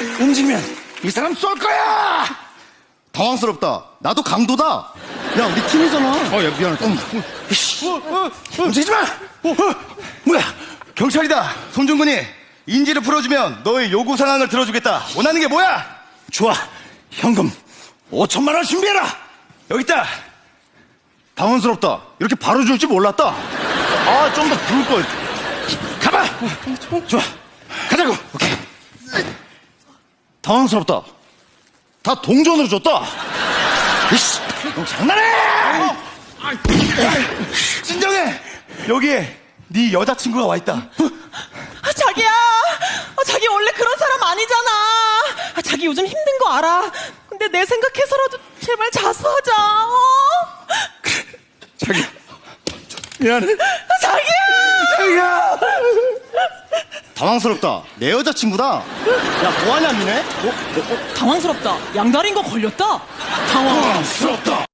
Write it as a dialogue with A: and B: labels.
A: 움직이면 이 사람 쏠 거야.
B: 당황스럽다. 나도 강도다. 야, 우리 팀이잖아.
A: 야, 미안하다. 움직이지 마. 뭐야?
B: 경찰이다. 손중근이 인지를 풀어주면 너의 요구 상황을 들어주겠다. 원하는 게 뭐야?
A: 좋아. 현금 5천만 원 준비해라.
B: 여기 있다. 당황스럽다. 이렇게 바로 줄 줄 몰랐다. 아, 좀 더 부를 걸.
A: 가봐. 좋아. 가자고.
B: 오케이. 당황스럽다. 다 동전으로 줬다.
A: 이씨, 너 장난해?
B: 진정해. 여기에 네 여자친구가 와 있다.
C: 자기야, 자기 원래 그런 사람 아니잖아. 자기 요즘 힘든 거 알아. 근데 내 생각해서라도 제발 자수하자.
A: 자기, 미안해.
C: 자기야.
A: 자기야.
B: 당황스럽다. 내 여자친구다. 야, 뭐하냐, 니네?
C: 당황스럽다. 양다리인 거 걸렸다. 당황.
A: 부럽다.